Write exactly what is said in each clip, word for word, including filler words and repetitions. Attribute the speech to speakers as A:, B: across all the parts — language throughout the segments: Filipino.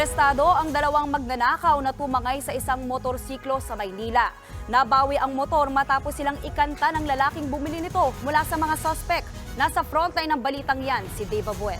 A: Arestado ang dalawang magnanakaw na tumangay sa isang motorsiklo sa Maynila. Nabawi ang motor matapos silang ikanta ng lalaking bumili nito mula sa mga suspect. Nasa frontline ng balitang yan si Dave Abuel.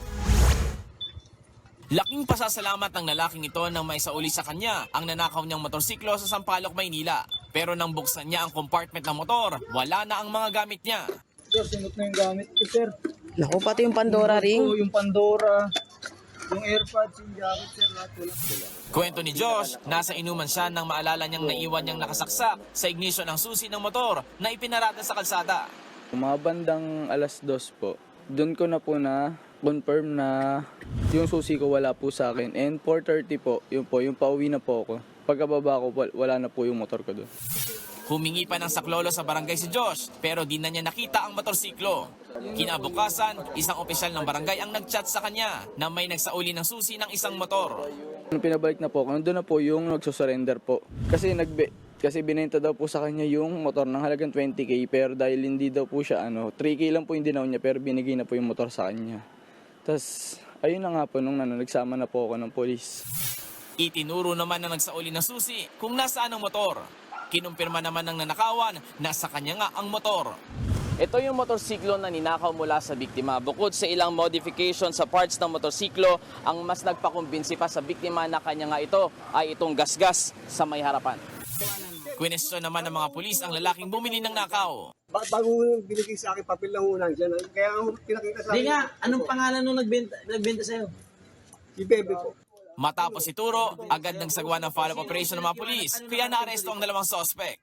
B: Laking pasasalamat ng lalaking ito nang maisauli sa kanya ang nanakaw niyang motorsiklo sa Sampaloc, Maynila. Pero nang buksan niya ang compartment ng motor, wala na ang mga gamit niya.
C: Sir, sinot na yung gamit ko, sir.
D: Naku, pati yung Pandora ring.
C: Oo, yung Pandora, yung AirPods, yung jacket, sir, lahat wala.
B: Kwento ni Josh, nasa inuman siya nang maalala niyang naiwan niyang nakasaksak sa ignition ng susi ng motor na ipinarada sa kalsada.
E: Mga bandang alas dos po, doon ko na po na confirm na yung susi ko wala po sa akin. And four thirty po, yun po, yung pauwi na po ako. Pagkababa ko, wala na po yung motor ko doon.
B: Humingi pa ng saklolo sa barangay si Josh pero di na niya nakita ang motorsiklo. Kinabukasan, isang opisyal ng barangay ang nagchat sa kanya na may nagsauli ng susi ng isang motor.
E: Nung pinabalik na po ako, nandun na po yung nagsusurrender po. Kasi nagbe kasi binenta daw po sa kanya yung motor ng halagang twenty K pero dahil hindi daw po siya ano, three K lang po yung dinaw niya pero binigay na po yung motor sa kanya. Tapos ayun na nga po nung ano, nagsama na po ako ng polis.
B: Itinuro naman na nagsauli ng susi kung nasaan ang motor. Kinumpirma naman ng nanakawan na sa kanya nga ang motor.
F: Ito yung motorsiklo na ninakaw mula sa biktima. Bukod sa ilang modification sa parts ng motorsiklo, ang mas nagpakumbinsi pa sa biktima na kanya nga ito ay itong gasgas sa may harapan.
B: Kwestiyon naman ng mga pulis ang lalaking bumili ng nakaw.
G: Ba- bago binigay sa akin, papel lang unang dyan. Kaya ang pinakita sa akin.
D: Hindi nga, anong pangalan nung nagbenta, nagbenta sa'yo?
G: Si Bebe po.
B: Matapos ituro, agad nang sagwa ng follow-up operation ng mga pulis, kaya naaresto ang dalawang suspect.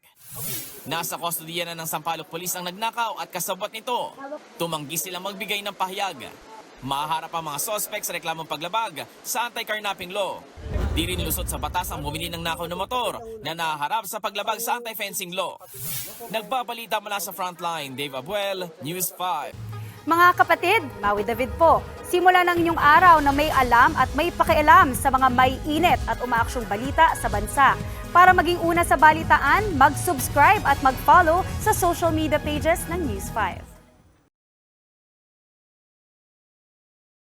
B: Nasa kustodiya na ng Sampaloc Police ang nagnakaw at kasabot nito. Tumanggi silang magbigay ng pahayag. Mahaharap ang mga suspect sa reklamong paglabag sa anti-carnapping law. Di rin lusot sa batas ang bumili ng nakaw na motor na nahaharap sa paglabag sa anti-fencing law. Nagbabalita mula sa Frontline, Dave Abuel, News five.
A: Mga kapatid, Maui David po. Simula ng inyong araw na may alam at may pakialam sa mga may init at umaaksyong balita sa bansa. Para maging una sa balitaan, mag-subscribe at mag-follow sa social media pages ng News five.